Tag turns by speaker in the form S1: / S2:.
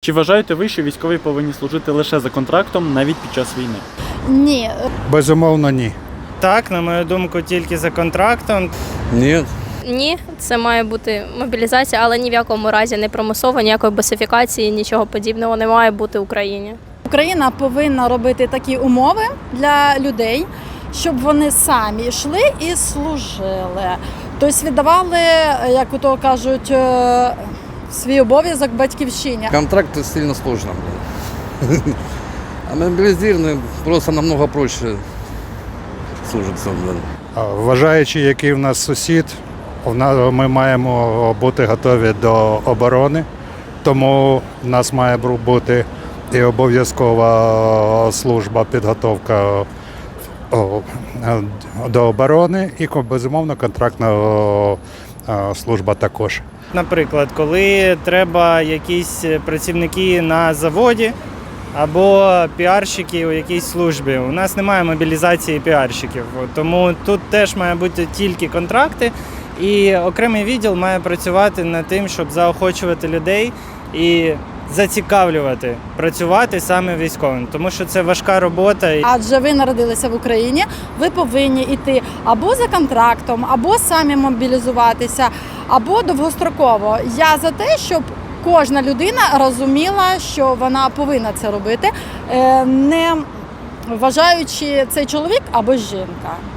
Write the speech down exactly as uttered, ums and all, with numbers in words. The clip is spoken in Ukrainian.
S1: Чи вважаєте ви, що військові повинні служити лише за контрактом навіть під час війни?
S2: Ні.
S3: Безумовно, ні.
S4: Так, на мою думку, тільки за контрактом.
S5: Ні.
S6: Ні, це має бути мобілізація, але ні в якому разі не примусово, ніякої босифікації, нічого подібного не має бути в Україні.
S2: Україна повинна робити такі умови для людей, щоб вони самі йшли і служили. Тобто віддавали, як ото кажуть, свій обов'язок батьківщині.
S5: Контракт сильно сложно. А мобилизированный просто намного проще служиться.
S3: А Вважаючи, який в нас сусід, в нас- ми маємо бути готові до оборони, тому в нас має бути і обов'язкова служба, підготовка о, до оборони і, безумовно, контрактна о, служба також.
S4: Наприклад, коли треба якісь працівники на заводі або піарщики у якійсь службі. У нас немає мобілізації піарщиків, тому тут теж має бути тільки контракти, і окремий відділ має працювати над тим, щоб заохочувати людей і зацікавлювати працювати саме військовим, тому що це важка робота.
S2: Адже ви народилися в Україні, ви повинні йти або за контрактом, або самі мобілізуватися, або довгостроково. Я за те, щоб кожна людина розуміла, що вона повинна це робити, не вважаючи цей чоловік або жінка.